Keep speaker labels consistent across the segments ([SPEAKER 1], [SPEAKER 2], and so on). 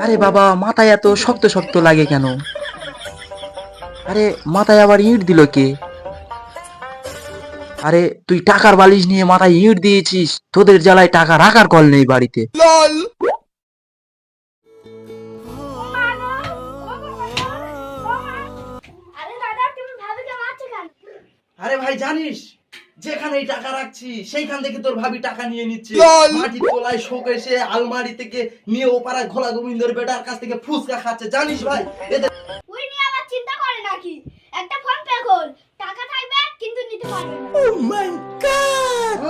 [SPEAKER 1] আরে বাবা, মাথায় এত শক্ত শক্ত লাগে কেন? আরে মাথায় আবার ইট দিল কে? আরে তুই টাকার বালিশ নিয়ে মাথায় ইট দিয়েছিস, তোদের জ্বালায় টাকা রাখার কল নেই বাড়িতে।
[SPEAKER 2] আরে ভাই জানিস, যেখানে টাকা রাখছি সেইখান থেকে তোর ভাবি টাকা নিয়ে নিচ্ছে। মাটির তলায় শোকেসে আলমারি থেকে নিয়ে ওপারা ঘোলা গোবিন্দর বেটার কাছ থেকে ফুসকা খাচ্ছে, জানিস ভাই? এদের
[SPEAKER 3] ওই নিয়ে আবার চিন্তা করে নাকি? একটা ফোন পে কর, টাকা থাকবে কিন্তু নিতে পারবে না।
[SPEAKER 2] ও মাই গড,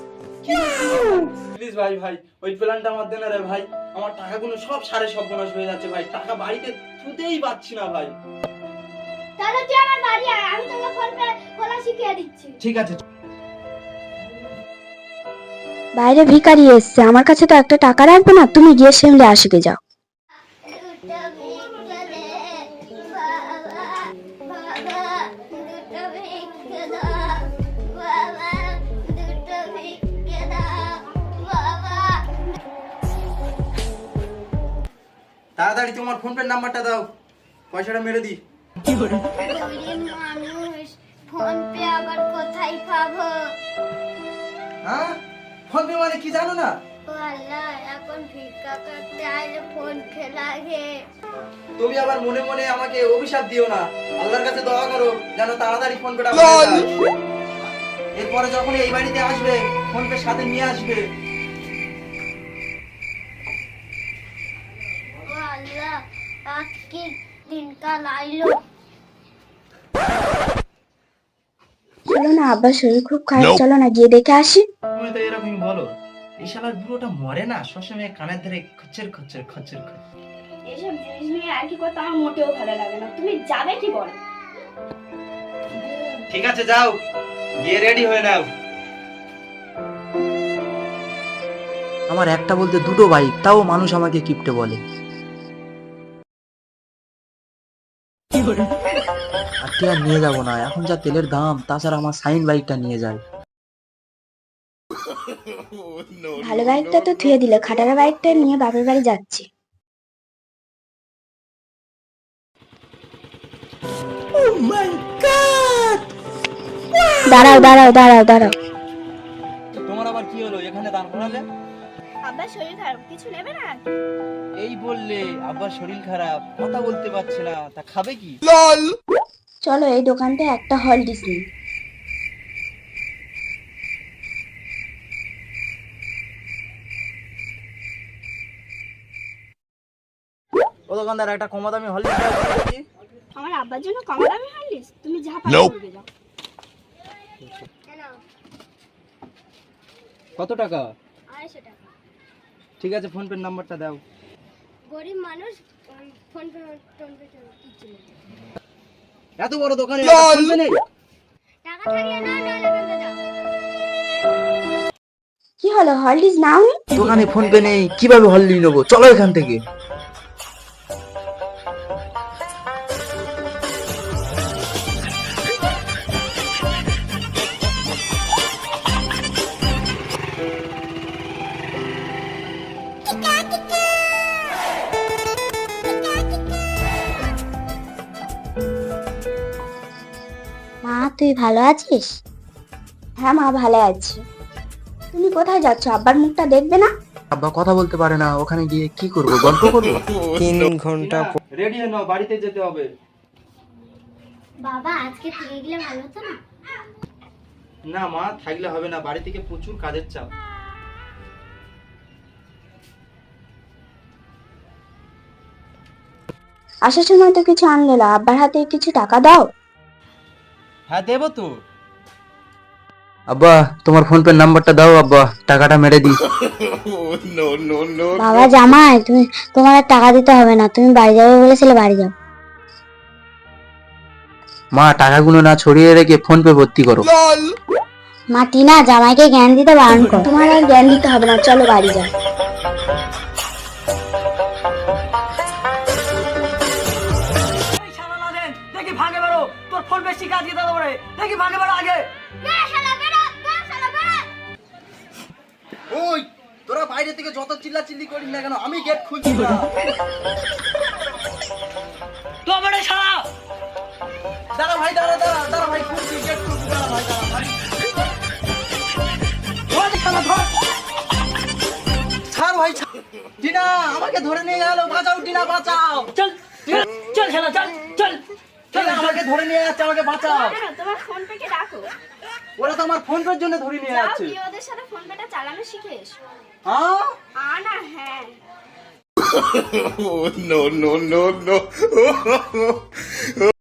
[SPEAKER 2] প্লিজ ভাই ভাই ওই প্ল্যানটা আমার দেন রে ভাই। আমার টাকাগুলো সব সাড়ে সর্বনাশ হয়ে যাচ্ছে ভাই, টাকা বাড়িতে তুলতেই পারছি না ভাই।
[SPEAKER 3] তাহলে তুই আমার বাড়ি আয়, আমি তোকে ফোন পে খোলা শিখিয়ে দিচ্ছি।
[SPEAKER 2] ঠিক আছে।
[SPEAKER 4] বাইরে ভিখারি এসছে, আমার কাছে তো একটা টাকা রাখবে না। তুমি গিয়ে সেমলে আসবে যাও।
[SPEAKER 2] তাড়াতাড়ি তোমার ফোন পে নাম্বারটা দাও, পয়সাটা মেরে দি।
[SPEAKER 3] মানুষ ফোন পে আবার কোথায় পাবো?
[SPEAKER 2] হ্যাঁ, ফোন পে মানে কি জানো না?
[SPEAKER 3] ও আল্লাহ, এখন ভিক্ষা করতে আইলে ফোন পে লাগে।
[SPEAKER 2] তুমি আবার মনে মনে আমাকে অভিশাপ দিও না, আল্লাহর কাছে দোয়া করো যেন তাড়াতাড়ি ফোন পেটা হয়ে যায়। এরপরে যখন এই বাড়িতে আসবে ফোন পে সাথে নিয়ে আসবে।
[SPEAKER 3] ও আল্লাহ, আজকে দিনকাল আইলো।
[SPEAKER 4] চলো না, আব্বার শরীর খুব খারাপ, চলো না গিয়ে দেখে আসি।
[SPEAKER 2] তুমি তো এরকমই বলো, এই শালার বুড়োটা মরে না, সবসময় কানের ধরে খচ্চর খচ্চর খচ্চর খচ্চর।
[SPEAKER 5] এসব জিনিস নিয়ে আর কি কথা আমার মোটেও ভালো লাগে না। তুমি যাবে কি বলো?
[SPEAKER 2] ঠিক আছে যাও, গিয়ে রেডি হয়ে নাও।
[SPEAKER 1] আমার একটা বলতে দুটো বাইক, তাও মানুষ আমাকে কিপটে বলে। আর কি আর নিয়ে যাবো না, এখন যা তেলের দাম, তাছাড়া আমার সাইন বাইকটা নিয়ে যায়।
[SPEAKER 4] ভালো বাইকটা তো থুয়ে দিলে, খাটারা বাইকটা নিয়ে বাপের বাড়ি যাচ্ছি। দাঁড়াও দাঁড়াও দাঁড়াও দাঁড়াও।
[SPEAKER 2] তোমার আবার কি হলো, এখানে দাঁড় করালে?
[SPEAKER 5] আব্বার শরীর খারাপ, কিছু নেবে না?
[SPEAKER 2] এই বললে আব্বার শরীর খারাপ, কথা বলতে পারছে না, তা খাবে কি?
[SPEAKER 4] চলো এই দোকানটা একটা হলডিস নিই।
[SPEAKER 2] ও দোকানদার, একটা কম দামি হলদিস দাও দেখি।
[SPEAKER 5] আমার আব্বার জন্য কম দামি হলিস? তুমি যা পারো করবে যাও।
[SPEAKER 2] কত টাকা?
[SPEAKER 3] 250 টাকা।
[SPEAKER 2] ঠিক আছে, ফোন পে নাম্বারটা দাও।
[SPEAKER 3] গরিব মানুষ ফোন পে কিচ্ছু নেই।
[SPEAKER 2] এত বড় দোকানে ফোন পে নেই?
[SPEAKER 3] টাকা থাকলে না, নাহলে বলতে যাও।
[SPEAKER 4] কি হলো, হলডিস নাও নি?
[SPEAKER 1] দোকানে ফোন পে নেই, কিভাবে হল্লি নেবো? চলো এখান থেকে।
[SPEAKER 4] মা তুই ভালো আছিস? হ্যাঁ মা ভালো আছি। তুমি কোথায় যাচ্ছ? আব্বার মুখটা দেখবে না?
[SPEAKER 1] আব্বা কথা বলতে পারে না, ওখানে গিয়ে কি করবো, গল্প করবো?
[SPEAKER 6] 3 ঘন্টা
[SPEAKER 2] রেডি হয়ে নাও, বাড়িতে যেতে হবে।
[SPEAKER 3] বাবা, আজকে থেকে গেলে ভালো হতো না?
[SPEAKER 2] না মা, থাকলে হবে না, বাড়ি থেকে প্রচুর কাজের চাপ।
[SPEAKER 4] আসার সময় তো কিছু আনলে না, আব্বার হাতে কিছু টাকা দাও।
[SPEAKER 2] হ্যাঁ দেবো তো।
[SPEAKER 1] আব্বা তোমার ফোন পে নাম্বারটা দাও, আব্বা টাকাটা মেরে দিই।
[SPEAKER 4] বাবা জামাই, তোমার আর টাকা দিতে হবে না, তুমি বাড়ি যাবে বলেছিলে, বাড়ি যাও।
[SPEAKER 1] মা টাকাগুলো না ছড়িয়ে রেখে ফোন পে ভর্তি করো।
[SPEAKER 4] মা টিনা, জামাইকে জ্ঞান দিতে বারণ করো। তোমার আর জ্ঞান দিতে হবে না, চলো বাড়ি যাও।
[SPEAKER 2] দেখি ভাগে বেরো, তোর ফোন বেশি কাজ দিতে হবে, দেখি ভাগে বেরো আগে।
[SPEAKER 3] বেড়া শালা, বেড়া, বেড়া শালা, বেড়া।
[SPEAKER 2] ওই তোরা বাইরে থেকে যত চিল্লা চিল্লি করিস না কেন আমি গেট খুলছি না। দাঁড়া ভাই দাঁড়া দাঁড়া দাঁড়া ভাই খুলছি গেট খুলছি দাঁড়া ভাই দাঁড়া ভাই। ছাড় ভাই ছাড়। টিনা আমাকে ধরে নিয়ে গেল, বাঁচাও টিনা বাঁচাও।
[SPEAKER 6] চল চল চল শালা চল চল
[SPEAKER 2] টিনা আমাকে ধরে নিয়ে যাচ্ছে, আমাকে বাঁচাও।
[SPEAKER 5] কেন তোমার ফোন পেকে ডাকো।
[SPEAKER 2] ওরা তো আমার ফোন পের জন্য ধরে নিয়ে
[SPEAKER 5] যাও
[SPEAKER 2] যাচ্ছে।
[SPEAKER 5] গিয়ে ওদের সাথে ফোন পেটা চালানো শিখে এসো।
[SPEAKER 2] হ্যাঁ
[SPEAKER 5] না হ্যাঁ
[SPEAKER 7] no, no, no, no.